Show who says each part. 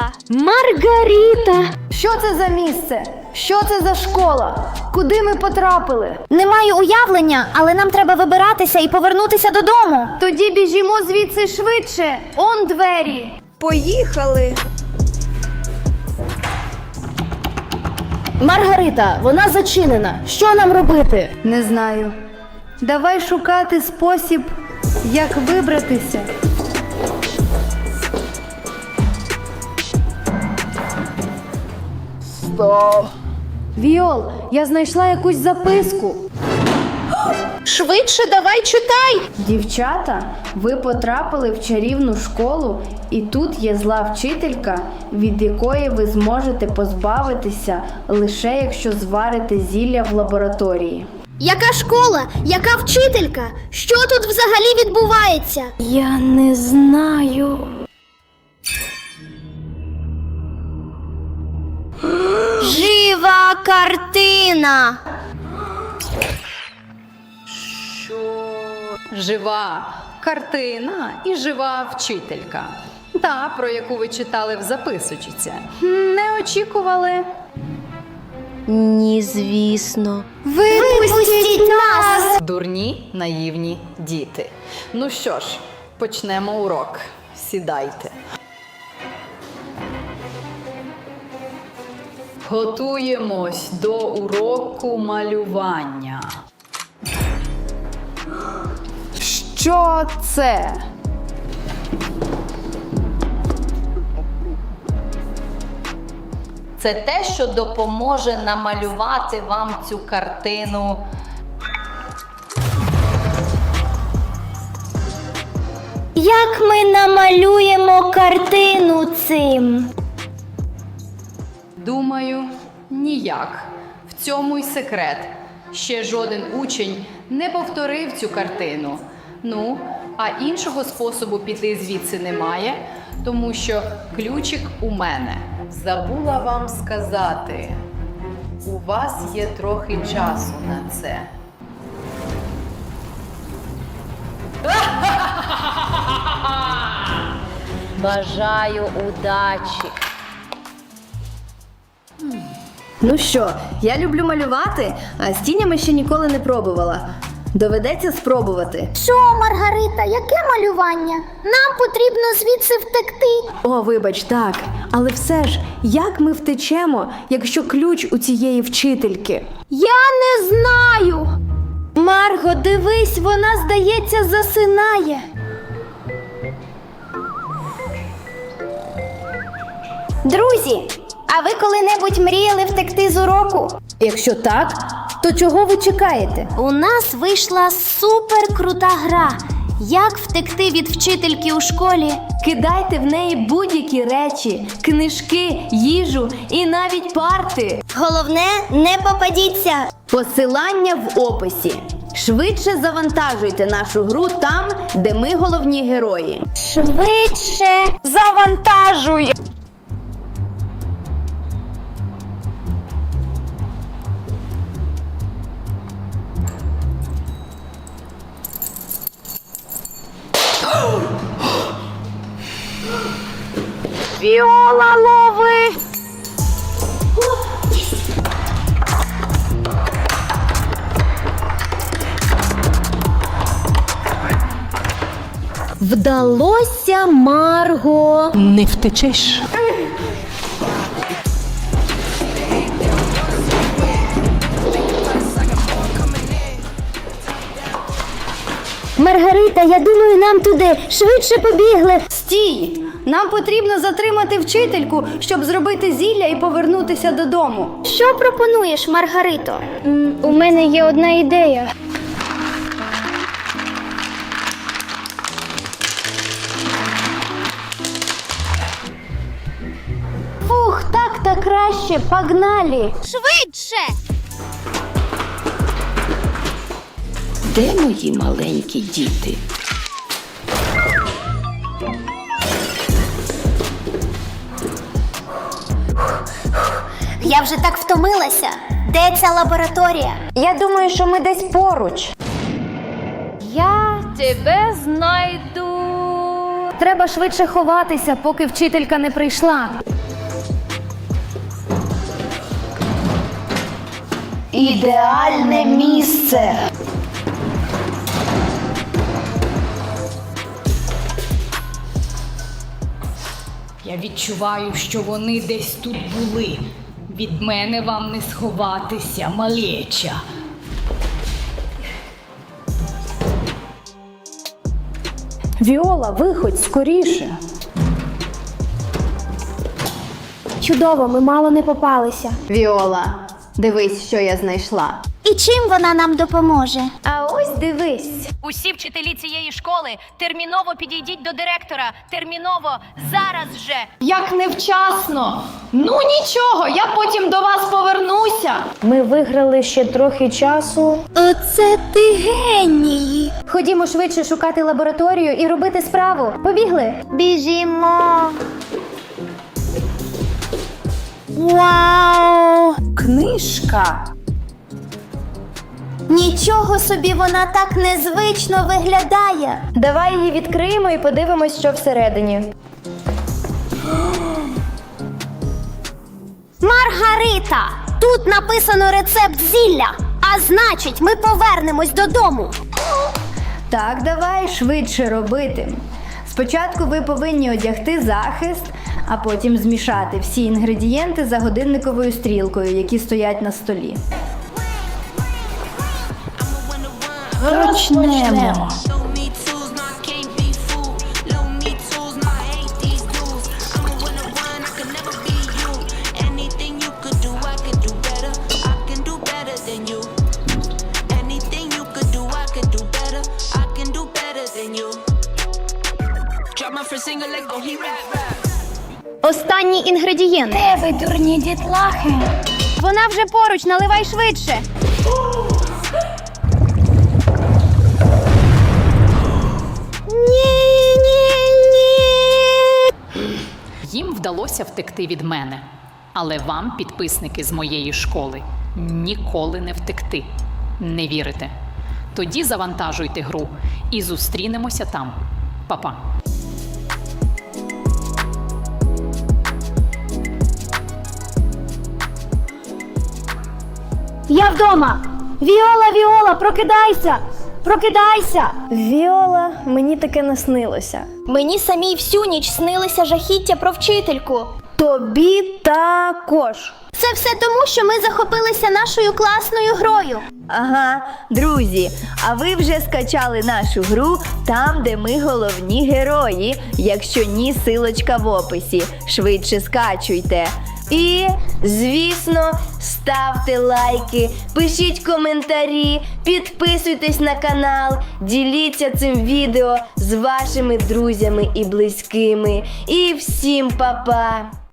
Speaker 1: Маргарита!
Speaker 2: Що це за місце? Що це за школа? Куди ми потрапили?
Speaker 1: Не маю уявлення, але нам треба вибиратися і повернутися додому.
Speaker 2: Тоді біжімо звідси швидше. Он двері.
Speaker 3: Поїхали!
Speaker 4: Маргарита, вона зачинена. Що нам робити?
Speaker 2: Не знаю. Давай шукати спосіб, як вибратися.
Speaker 4: Стоп.
Speaker 2: Віол, я знайшла якусь записку.
Speaker 3: Швидше давай читай!
Speaker 2: Дівчата, ви потрапили в чарівну школу, і тут є зла вчителька, від якої ви зможете позбавитися лише якщо зварите зілля в лабораторії.
Speaker 1: Яка школа? Яка вчителька? Що тут взагалі відбувається?
Speaker 2: Я не знаю.
Speaker 1: Жива картина!
Speaker 5: Жива картина і жива вчителька. Та, про яку ви читали в записочці. Не очікували?
Speaker 1: Ні, звісно. Випустіть нас!
Speaker 5: Дурні, наївні діти. Ну що ж, почнемо урок. Сідайте. Готуємось до уроку малювання.
Speaker 2: Що це?
Speaker 6: Це те, що допоможе намалювати вам цю картину.
Speaker 1: Як ми намалюємо картину цим?
Speaker 5: Думаю, ніяк. В цьому й секрет. Ще жоден учень не повторив цю картину. Ну, а іншого способу піти звідси немає, тому що ключик у мене. Забула вам сказати, у вас є трохи часу на це.
Speaker 6: Бажаю удачі!
Speaker 2: Ну що, я люблю малювати, а з тінями ще ніколи не пробувала. Доведеться спробувати.
Speaker 1: Що, Маргарита, яке малювання? Нам потрібно звідси втекти.
Speaker 2: О, вибач, так. Але все ж, як ми втечемо, якщо ключ у цієї вчительки?
Speaker 1: Я не знаю. Марго, дивись, вона, здається, засинає. Друзі, а ви коли-небудь мріяли втекти з уроку?
Speaker 2: Якщо так, то чого ви чекаєте?
Speaker 1: У нас вийшла суперкрута гра. Як втекти від вчительки у школі?
Speaker 2: Кидайте в неї будь-які речі, книжки, їжу і навіть парти.
Speaker 1: Головне, не попадіться.
Speaker 2: Посилання в описі. Швидше завантажуйте нашу гру там, де ми головні герої.
Speaker 1: Швидше завантажуй. Віола, лови!
Speaker 4: Вдалося, Марго.
Speaker 3: Не втечеш.
Speaker 1: Маргарита, я думаю, нам туди. Швидше побігли.
Speaker 2: Стій! Нам потрібно затримати вчительку, щоб зробити зілля і повернутися додому.
Speaker 1: Що пропонуєш, Маргарито? У мене є одна ідея.
Speaker 2: Фух, так-то краще, погнали!
Speaker 1: Швидше!
Speaker 3: Де мої маленькі діти?
Speaker 1: Я вже так втомилася. Де ця лабораторія?
Speaker 2: Я думаю, що ми десь поруч.
Speaker 1: Я тебе знайду.
Speaker 2: Треба швидше ховатися, поки вчителька не прийшла. Ідеальне місце.
Speaker 7: Я відчуваю, що вони десь тут були. Від мене вам не сховатися, малеча.
Speaker 4: Віола, виходь скоріше.
Speaker 1: Чудово, ми мало не попалися.
Speaker 2: Віола, дивись, що я знайшла.
Speaker 1: І чим вона нам допоможе?
Speaker 2: А ось дивись.
Speaker 8: Усі вчителі цієї школи терміново підійдіть до директора. Терміново, зараз же.
Speaker 5: Як невчасно! Ну нічого, я потім до вас повернуся.
Speaker 4: Ми виграли ще трохи часу.
Speaker 1: Оце ти геній!
Speaker 4: Ходімо швидше шукати лабораторію і робити справу. Побігли?
Speaker 1: Біжімо! Вау!
Speaker 2: Книжка.
Speaker 1: Нічого собі, вона так незвично виглядає.
Speaker 4: Давай її відкриємо і подивимось, що всередині.
Speaker 1: Маргарита! Тут написано рецепт зілля, а значить, ми повернемось додому.
Speaker 2: Так, давай швидше робити. Спочатку ви повинні одягти захист, а потім змішати всі інгредієнти за годинниковою стрілкою, які стоять на столі.
Speaker 7: Почнемо.
Speaker 1: Останній інгредієнт.
Speaker 7: Де ви, дурні дітлахи?
Speaker 1: Вона вже поруч, наливай швидше.
Speaker 5: Їм вдалося втекти від мене. Але вам, підписники з моєї школи, ніколи не втекти. Не вірите? Тоді завантажуйте гру і зустрінемося там. Па-па.
Speaker 4: Я вдома! Віола, Віола, прокидайся! Прокидайся! Віола, мені таке наснилося.
Speaker 1: Мені самій всю ніч снилися жахіття про вчительку.
Speaker 2: Тобі також.
Speaker 1: Це все тому, що ми захопилися нашою класною грою.
Speaker 2: Ага, друзі, а ви вже скачали нашу гру там, де ми головні герої. Якщо ні, силочка в описі. Швидше скачуйте. І, звісно, ставте лайки, пишіть коментарі, підписуйтесь на канал, діліться цим відео з вашими друзями і близькими. І всім па-па!